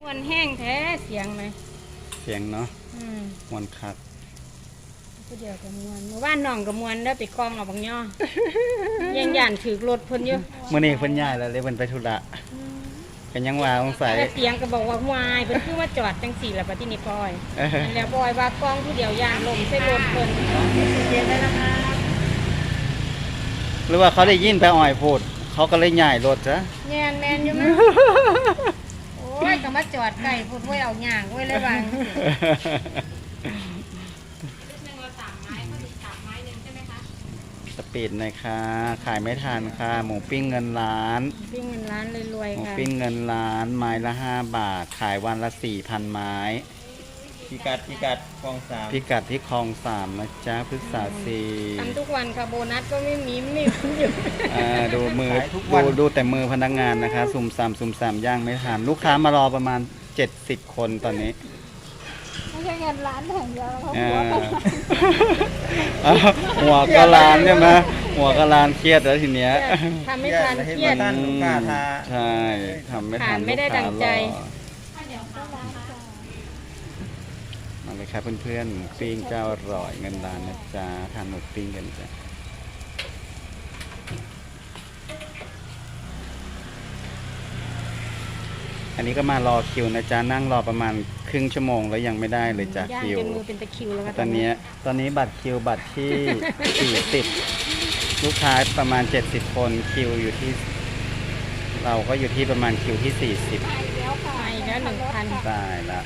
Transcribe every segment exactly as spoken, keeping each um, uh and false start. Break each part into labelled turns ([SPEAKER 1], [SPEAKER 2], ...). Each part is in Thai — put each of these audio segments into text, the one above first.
[SPEAKER 1] มวนแห้งแท้เสียงไหม
[SPEAKER 2] เสียงเนาะ
[SPEAKER 1] อืม
[SPEAKER 2] มวนคัก
[SPEAKER 1] ก็เดี๋ยวกับมวนเมื่อวานน้องกับมวนได้ไปคลองเอาบางย่อ ยังย่านถือรถเพิ่นอยู่
[SPEAKER 2] เมื่อนี้เพิ่นย้ายแล้วเลยเพิ่นไปธุระกันยังว่าสงสัย
[SPEAKER 1] แต่เสียงก็บอกว่าวายเพิ่นคือว่าจอดจังสี่ละบัดนี้นี่ปอยอันแล้วปอยว่ากล้องผู้เดียวย่านลมใส่รถเพิ่นเย็นได้นะคะ
[SPEAKER 2] หรือว่าเขาได้ยินไปอ่อยพูดเขาก็เลยย้ายรถจ้ะ
[SPEAKER 1] แม่นแม่นอยู่มั้ยโอ้ยก็มาจอดไกลพูดไว้เอาย่างไว้เลยว่า
[SPEAKER 2] สปีดหน่อยค่ะขายไม่ทันค่ะหมูปิ้งเงินล้าน
[SPEAKER 1] ปิ้งเงินล้านรวยๆ
[SPEAKER 2] หมู
[SPEAKER 1] ค่ะ
[SPEAKER 2] ปิ้งเงินล้านไม้ละห้าบาทขายวันละสี่พันไม้
[SPEAKER 3] พิกัดพิกัดคลองสาม
[SPEAKER 2] พิกัดที่คลองสามนะจ๊ะพฤกษาสี
[SPEAKER 1] ทำทุกวันค่ะโบนัสก็ไม่มีไม่มีอยู่
[SPEAKER 2] อ่าดูมือดูดูแต่มือพนักงานนะคะซุ่มสามซุ่มสามย่างไม่ทันลูกค้ามารอประมาณเจ็ดสิบคนตอนนี้
[SPEAKER 1] ไม่ใช่เงินล้านแห่งเดียวเขา
[SPEAKER 2] อ่าหัวก็ล้านใช่ไหมหัวก็ล้านเครียดแล้วทีเนี้ย
[SPEAKER 1] ทำไม่ทันเครียด
[SPEAKER 3] ท่านลูกค้าทา
[SPEAKER 2] ใช่ทำไม่ทัน
[SPEAKER 1] ไม่ได้ดังใจ
[SPEAKER 2] มาเลยครับเพื่อนๆหมูปิ้งเจ้าอร่อยเงินล้านนะจ๊ะทานหมูปิ้งกันจ้ะอันนี้ก็มารอคิวนะจ๊ะนั่งรอประมาณครึ่งชั่วโมงแล้วยังไม่ได้เลยจ้ะคิว
[SPEAKER 1] ย่างจนมือเป็นตะคิวแล้ว
[SPEAKER 2] ตอนนี้ตอนนี้บัตรคิวบัตรที่ สี่สิบลูกค้าประมาณเจ็ดสิบคนคิวอยู่ที่เราก็อยู่ที่ประมาณคิวที่สี่สิบ
[SPEAKER 1] ไปแล้วหนึ่งพัน
[SPEAKER 2] ตายละ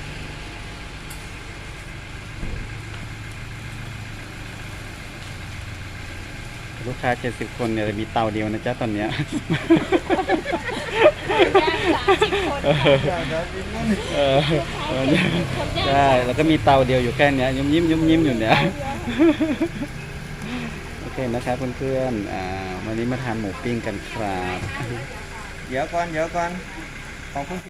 [SPEAKER 2] ลูกค้าเจ็ดสิบคนเนี่ยมีเตาเดียวนะจ๊ะตอนเนี้ยเออใช่แล้วก็มีเตาเดียวอยู่แค่นี้ยิ้มยิ้มยิ้มยิ้มอยู่เนี้ยโอเคนะครับเพื่อนๆอ่าวันนี้มาทานหมูปิ้งกันครับ
[SPEAKER 3] เดี๋ยวก่อนเดี๋ยวก่อนของคุณ